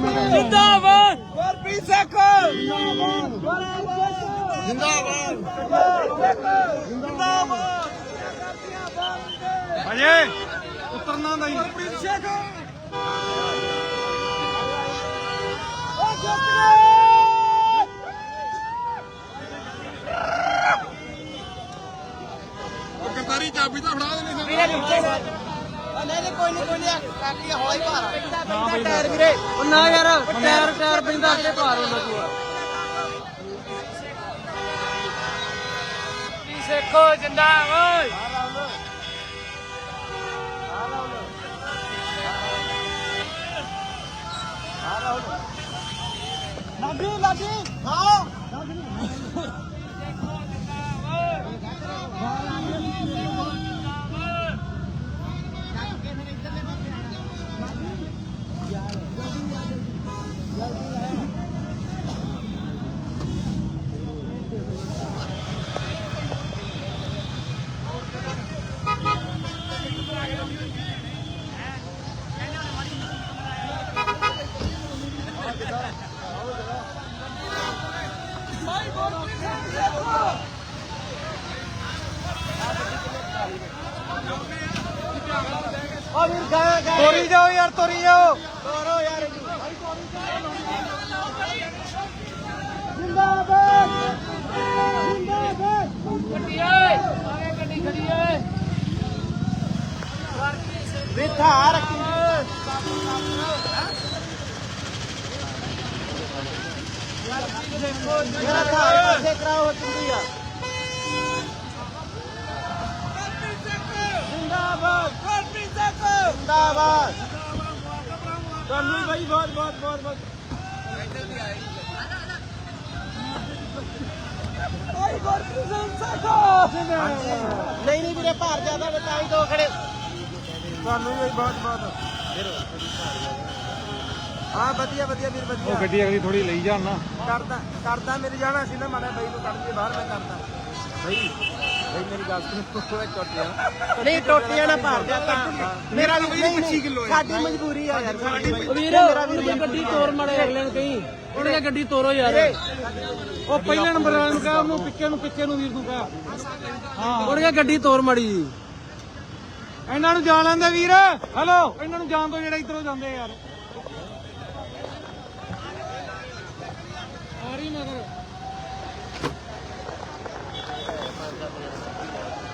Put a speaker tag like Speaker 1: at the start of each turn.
Speaker 1: जिंदाबाद
Speaker 2: ਗੁਰਪ੍ਰੀਤ ਸਿੰਘ ਜਿੰਦਾਬਾਦ ਜਿੰਦਾਬਾਦ
Speaker 1: अजय उतरना नहीं
Speaker 2: ਗੁਰਪ੍ਰੀਤ ਸਿੰਘ
Speaker 3: ਕਰਤਾਰੀ ਚਾਬੀ ਤਾਂ ਫੜਾ ਦੇਣੀ ਸੀ
Speaker 2: ਨਹੀਂ ਕੋਈ ਨਹੀਂ ਕਾਕੀ ਹੌਲਾ ਹੀ ਭਾਰ ਟਾਇਰ ਵੀਰੇ ਉਹ ਨਾ ਯਾਰ ਟਾਇਰ ਪੈਂਦਾ ਅੱਗੇ ਭਾਰ ਹੁੰਦਾ ਤੂੰ
Speaker 1: सिखो जिंदाबाद
Speaker 2: ਲਾਡੀ ਹਾਂ
Speaker 1: तोरी जाओ यार तोरी जाओ
Speaker 2: ਤੋਰੋ ਯਾਰ ਜਿੰਦਾਬਾਦ ਜਿੰਦਾਬਾਦ ਵਿਥਾ ਰੱਖੀ ਮੇਰਾ ਥਾਰ ਪਾਸੇ ਕਰਾਓ ਚੁੰਦੀ ਆ ਜਿੰਦਾਬਾਦ ਗੁਰਪ੍ਰੀਤ ਸਿੰਘ ਜਿੰਦਾਬਾਦ ਤੁਹਾਨੂੰ ਭਾਈ ਬਹੁਤ ਭਾਈ ਗੁਰਪ੍ਰੀਤ ਸਿੰਘ ਨਹੀਂ ਵੀਰੇ ਭਾਰ ਜ਼ਿਆਦਾ ਬਤਾਈ ਦੋ ਖੜੇ
Speaker 1: ਤੁਹਾਨੂੰ ਵੀ ਬਹੁਤ
Speaker 2: ਹਾਂ ਵਧੀਆ ਵੀਰ ਵਧੀਆ
Speaker 1: ਉਹ ਗੱਡੀ ਅਗਲੀ ਥੋੜੀ ਲਈ ਜਾਣ ਨਾ
Speaker 2: ਕਰਦਾ ਮੇਰੇ ਜਾਣਾ ਸੀ ਨਾ ਮਾੜਾ ਬਾਈ ਨੂੰ ਕੱਢ ਕੇ ਬਾਹਰ ਮੈਂ ਕਰਦਾ ਬਈ ਮੇਰੀ ਗੱਲ ਸੁਣ ਟੋਟੀਆਂ ਨਹੀਂ ਟੋਟੀਆਂ ਨਾ ਭਰ ਜਾ ਤਾਂ ਮੇਰਾ ਵੀ 25 ਕਿਲੋ ਹੈ ਸਾਡੀ ਮਜਬੂਰੀ ਆ ਯਾਰ
Speaker 4: ਵੀਰ ਗੱਡੀ ਤੋਰ ਮੜੇ ਅਗਲੇ ਨੂੰ ਕਹੀਂ ਉਹਨੇ ਗੱਡੀ ਤੋਰੋ ਯਾਰ
Speaker 1: ਉਹ ਪਹਿਲੇ ਨੰਬਰ ਵਾਲੇ ਨੂੰ ਕਹਾ ਉਹਨੂੰ ਪਿੱਛੇ ਨੂੰ ਵੀਰ ਨੂੰ ਕਹਾ
Speaker 4: ਹਾਂ ਉਹਨੇ ਗੱਡੀ ਤੋਰ ਮੜੀ
Speaker 1: ਇਹਨਾਂ ਨੂੰ ਜਾਣ ਲੈਂਦੇ ਵੀਰ ਹੈਲੋ ਇਹਨਾਂ ਨੂੰ ਜਾਣ ਤੋਂ ਜਿਹੜਾ ਇਧਰੋਂ ਜਾਂਦੇ ਯਾਰ ਆਰੀ ਮਗਰ